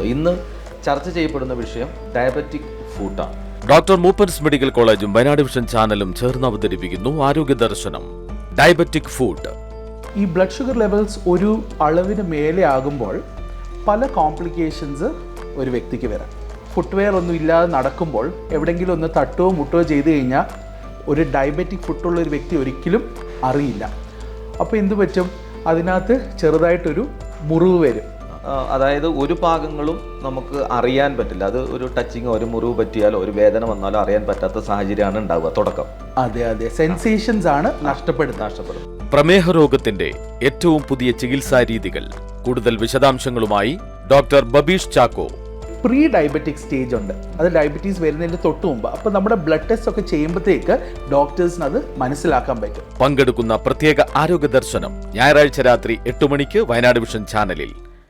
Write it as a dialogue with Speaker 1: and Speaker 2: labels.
Speaker 1: ഇന്ന് ചർച്ച ചെയ്യപ്പെടുന്ന വിഷയം ഡയബറ്റിക് ഫുഡാണ്.
Speaker 2: ഡോക്ടർ മൂപ്പൻസ് മെഡിക്കൽ കോളേജും വയനാട് വിഷൻ ചാനലും ചേർന്ന് അവതരിപ്പിക്കുന്നു ആരോഗ്യ ദർശനം ഡയബറ്റിക് ഫുഡ്.
Speaker 3: ഈ ബ്ലഡ് ഷുഗർ ലെവൽസ് ഒരു അളവിന് മേലെ ആകുമ്പോൾ പല കോംപ്ലിക്കേഷൻസ് ഒരു വ്യക്തിക്ക് വരാം. ഫുട്വെയർ ഒന്നും ഇല്ലാതെ നടക്കുമ്പോൾ എവിടെയെങ്കിലും ഒന്ന് തട്ടുകയോ മുട്ടുകയോ ചെയ്ത് കഴിഞ്ഞാൽ ഒരു ഡയബറ്റിക് ഫുട്ടുള്ള ഒരു വ്യക്തി ഒരിക്കലും അറിയില്ല. അപ്പോൾ എന്തു പറ്റും? അതിനകത്ത് ചെറുതായിട്ടൊരു മുറിവ് വരും.
Speaker 1: അതായത് ഒരു ഭാഗങ്ങളും നമുക്ക് അറിയാൻ പറ്റില്ല. അത് ഒരു ടച്ചിങ്ങോ ഒരു മുറിവ് പറ്റിയാലോ ഒരു വേദന വന്നാലോ അറിയാൻ പറ്റാത്ത സാഹചര്യമാണ് ഉണ്ടാവുക തുടക്കം.
Speaker 3: അതെ, സെൻസേഷൻസ് ആണ് നഷ്ടപ്പെടുന്നത്.
Speaker 2: പ്രമേഹ രോഗത്തിന്റെ ഏറ്റവും പുതിയ ചികിത്സാ രീതികൾ. കൂടുതൽ വിശദാംശങ്ങളുമായി doctor Babeesh Chacko.
Speaker 3: Pre diabetic stage ഉണ്ട്, അത് ഡയബറ്റീസ് വരുന്നതിന് തൊട്ട് മുമ്പ്. അപ്പോൾ നമ്മുടെ ബ്ലഡ് ടെസ്റ്റ് ഒക്കെ ചെയ്യുമ്പോഴത്തേക്ക് ഡോക്ടേഴ്സിന് അത് മനസ്സിലാക്കാൻ പറ്റും.
Speaker 2: പങ്കെടുക്കുന്ന പ്രത്യേക ആരോഗ്യ ദർശനം ഞായറാഴ്ച രാത്രി 8 മണിക്ക് വയനാട് വിഷൻ ചാനലിൽ.